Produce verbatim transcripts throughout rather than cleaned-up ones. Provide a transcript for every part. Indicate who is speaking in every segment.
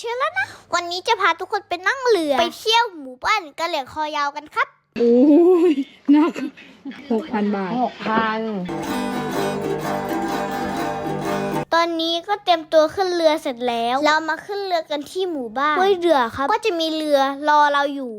Speaker 1: เชื่อแล้วนะวันนี้จะพาทุกคนไปนั่งเรือไปเที่ยวหมู่บ้านกะเหรี่ยงคอยาวกันครับ
Speaker 2: โอ้ยนักหกพันบาท
Speaker 3: หกพัน
Speaker 1: ตอนนี้ก็เตรียมตัวขึ้นเรือเสร็จแล้วเรามาขึ้นเรือกันที่หมู่บ้านห้วยเรือครับก็จะมีเรือรอเราอยู่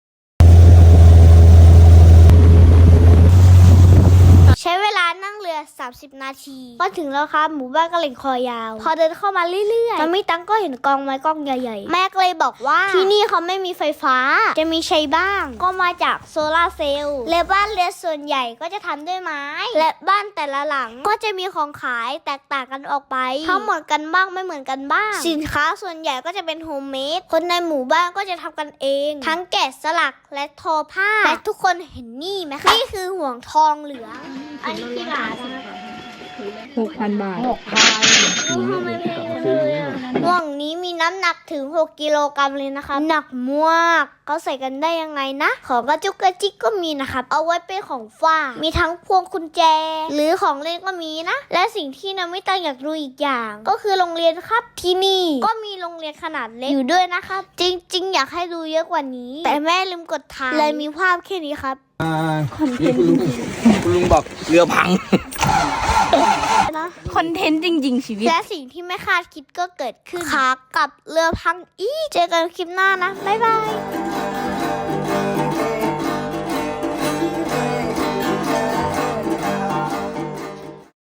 Speaker 1: ใช้เวลานั่งเรือสามสิบนาทีก็ถึงแล้วครับหมู่บ้านกะเหรี่ยงคอยาวพอเดินเข้ามาเรื่อยๆมันมีตังก็เห็นกองไม้กองใหญ่ๆแม่ก็เลยบอกว่าที่นี่เขาไม่มีไฟฟ้าจะมีใช้บ้างก็มาจากโซลาร์เซลล์และบ้านเรือนส่วนใหญ่ก็จะทำด้วยไม้และบ้านแต่ละหลังก็จะมีของขายแตกต่างกันออกไปทั้งเหมือนกันบ้างไม่เหมือนกันบ้างสินค้าส่วนใหญ่ก็จะเป็นโฮมเมดคนในหมู่บ้านก็จะทำกันเองทั้งแกะสลักและทอผ้าและทุกคนเห็นนี่ไหมคะนี่คือห่วงทองเหลืองอันนี้กี่บาท
Speaker 2: หกพันบาท
Speaker 3: หกพัน
Speaker 1: ทำไมแพงเลยอ่ะห่วงนี้มีน้ำหนักถึงหกกิโลกรัมเลยนะคะหนักมากเขาใส่กันได้ยังไงนะของกระจุกกระจิกก็มีนะครับเอาไว้เป็นของฝากมีทั้งพวงกุญแจหรือของเล่นก็มีนะและสิ่งที่น้ำไม่ตั้งอยากรู้อีกอย่างก็คือโรงเรียนครับที่นี่ก็มีโรงเรียนขนาดเล็กอยู่ด้วยนะครับจริงๆอยากให้ดูเยอะกว่านี้แต่แม่ลืมกดถ่ายเลยมีภาพแค่นี้ครับ
Speaker 4: คอนเทนต์คุณลุงคุณลุงบอกเรือพัง
Speaker 2: คอนเทนต์จริงๆชีวิต
Speaker 1: และสิ่งที่ไม่คาดคิดก็เกิดขึ้นขากลับเรือพังอีกเจอกันคลิปหน้านะบ๊ายบาย